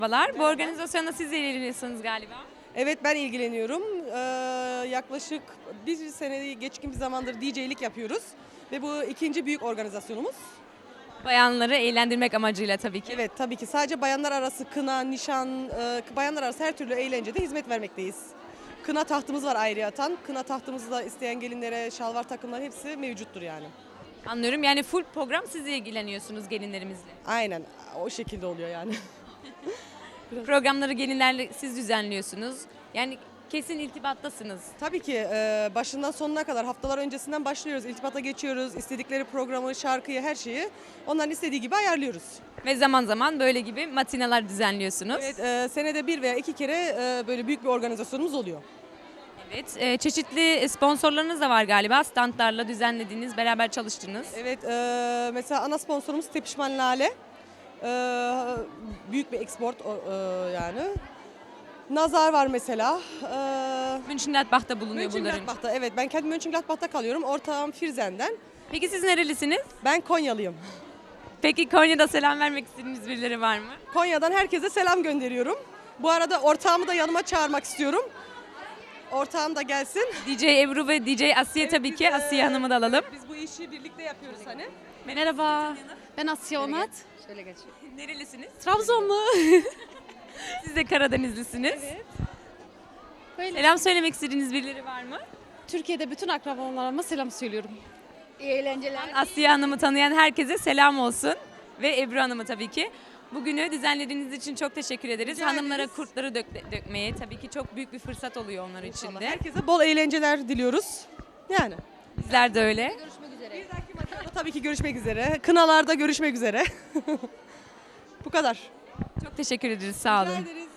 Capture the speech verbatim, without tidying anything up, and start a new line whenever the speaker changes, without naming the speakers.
Merhabalar. Bu organizasyonda siz de ilgileniyorsunuz galiba.
Evet, ben ilgileniyorum. Ee, yaklaşık bir seneyi geçkin bir zamandır D J'lik yapıyoruz. Ve bu ikinci büyük organizasyonumuz.
Bayanları eğlendirmek amacıyla tabii ki.
Evet, tabii ki sadece bayanlar arası kına, nişan, e, bayanlar arası her türlü eğlencede hizmet vermekteyiz. Kına tahtımız var ayrıyeten. Kına tahtımızda isteyen gelinlere şalvar takımlar hepsi mevcuttur yani.
Anlıyorum. Yani full program siz ilgileniyorsunuz gelinlerimizle.
Aynen, o şekilde oluyor yani.
Programları gelinlerle siz düzenliyorsunuz. Yani kesin iltibattasınız.
Tabii ki e, başından sonuna kadar haftalar öncesinden başlıyoruz. İltibata geçiyoruz. İstedikleri programı, şarkıyı, her şeyi onların istediği gibi ayarlıyoruz.
Ve zaman zaman böyle gibi matinalar düzenliyorsunuz.
Evet, e, senede bir veya iki kere e, böyle büyük bir organizasyonumuz oluyor.
Evet. e, çeşitli sponsorlarınız da var galiba. Standlarla düzenlediğiniz, beraber çalıştığınız.
Evet, e, mesela ana sponsorumuz Tepişman Lale. E, büyük bir export o- e, yani. Nazar var mesela. E,
Mönchengladbach'ta bulunuyor bunların.
Mönchengladbach'ta, evet, ben kendim Mönchengladbach'ta kalıyorum. Ortağım Firzen'den.
Peki siz nerelisiniz?
Ben Konyalıyım.
Peki Konya'da selam vermek istediğiniz birileri var mı?
Konya'dan herkese selam gönderiyorum. Bu arada ortağımı da yanıma çağırmak istiyorum. Ortağım da gelsin.
D J Ebru ve D J Asiye tabii ki. Asiye Hanım'ı da alalım.
Biz bu işi birlikte yapıyoruz hani.
Merhaba, ben Asya Onat.
Nerelisiniz?
Trabzonlu.
Siz de Karadenizlisiniz.
Böyle.
Selam söylemek istediğiniz birileri var mı?
Türkiye'de bütün akrabalarıma selam söylüyorum.
İyi eğlenceler.
Asiye Hanım'ı tanıyan herkese selam olsun. Ve Ebru Hanım'ı tabii ki. Bugünü düzenlediğiniz için çok teşekkür ederiz.
Rica
Hanımlara
ederiz.
kurtları dök- dökmeye tabii ki çok büyük bir fırsat oluyor onlar için de.
Herkese bol eğlenceler diliyoruz. Yani.
Bizler de öyle.
Görüşmek üzere.
Bir dahaki maçlarda tabii ki görüşmek üzere. Kınalarda görüşmek üzere. Bu kadar.
Çok teşekkür ederiz. Sağ olun.
Rica ederiz.